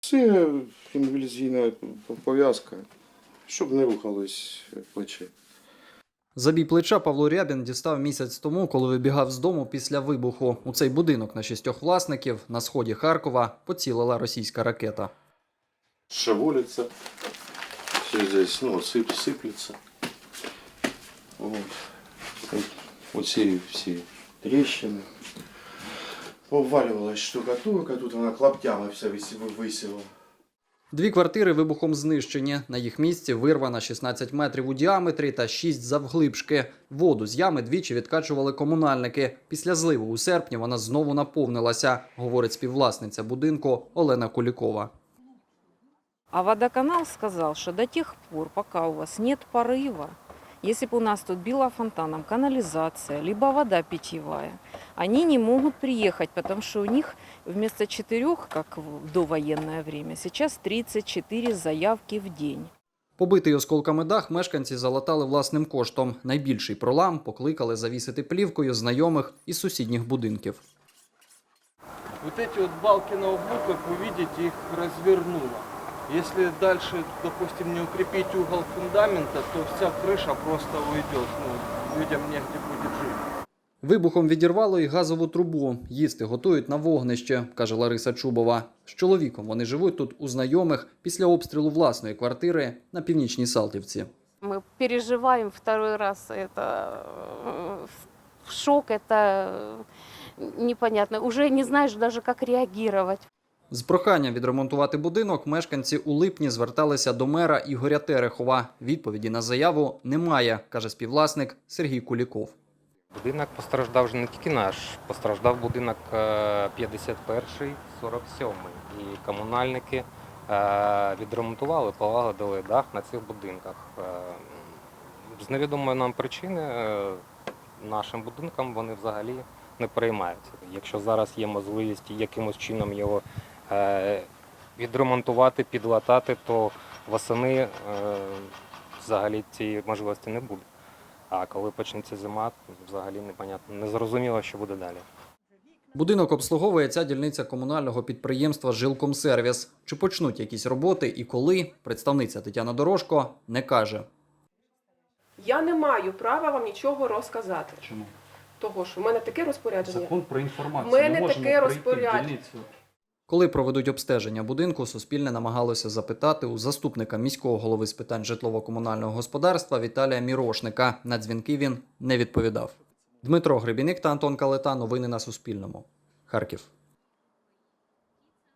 Це іммобілізаційна пов'язка, щоб не рухались плечі. Забій плеча Павло Рябін дістав місяць тому, коли вибігав з дому після вибуху. У цей будинок на 6 власників на сході Харкова поцілила російська ракета. Шевелится, все здесь, сыплется. Вот все трещины. Поваливалась штукатурка, тут она клаптями вся висіла. 2 квартири вибухом знищені. На їх місці вирвана 16 метрів у діаметрі та 6 завглибшки. Воду з ями двічі відкачували комунальники. Після зливу у серпні вона знову наповнилася, говорить співвласниця будинку Олена Кулікова. А водоканал сказал, что до тех пор, пока у вас нет порыва, если бы у нас тут била фонтаном канализация, либо вода питьевая, они не могут приехать, потому что у них вместо 4, как в довоенное время, сейчас 34 заявки в день. Побитий осколками дах мешканці залатали власним коштом. Найбільший пролам покликали завісити плівкою знайомих із сусідніх будинків. Вот эти вот балки на углу, как вы видите, их развернуло. Если дальше, допустим, не укрепить угол фундамента, то вся крыша просто уйдет. Людям негде будет жить. Вибухом відірвало і газову трубу. Їсти готують на вогнище, каже Лариса Чубова. З чоловіком вони живуть тут у знайомих після обстрілу власної квартири на Північній Салтівці. Мы переживаем второй раз. Это шок, это непонятно. Уже не знаешь даже, как реагировать. З проханням відремонтувати будинок мешканці у липні зверталися до мера Ігоря Терехова. Відповіді на заяву немає, каже співвласник Сергій Куліков. Будинок постраждав вже не тільки наш, постраждав будинок 51-й, 47-й. І комунальники відремонтували, полагодили дах на цих будинках. З невідомої нам причини нашим будинкам вони взагалі не переймаються. Якщо зараз є можливість якимось чином його відремонтувати, підлатати, то восени взагалі цієї можливості не буде. А коли почнеться зима, взагалі непонятно, не зрозуміло, що буде далі. Будинок обслуговує ця дільниця комунального підприємства «Жилкомсервіс». Чи почнуть якісь роботи і коли, представниця Тетяна Дорожко не каже. Я не маю права вам нічого розказати. Чому? Того, що в мене таке розпорядження. Закон про інформацію. В мене таке розпорядження. Коли проведуть обстеження будинку, Суспільне намагалося запитати у заступника міського голови з питань житлово-комунального господарства Віталія Мірошника. На дзвінки він не відповідав. Дмитро Гребіник та Антон Калета. Новини на Суспільному. Харків.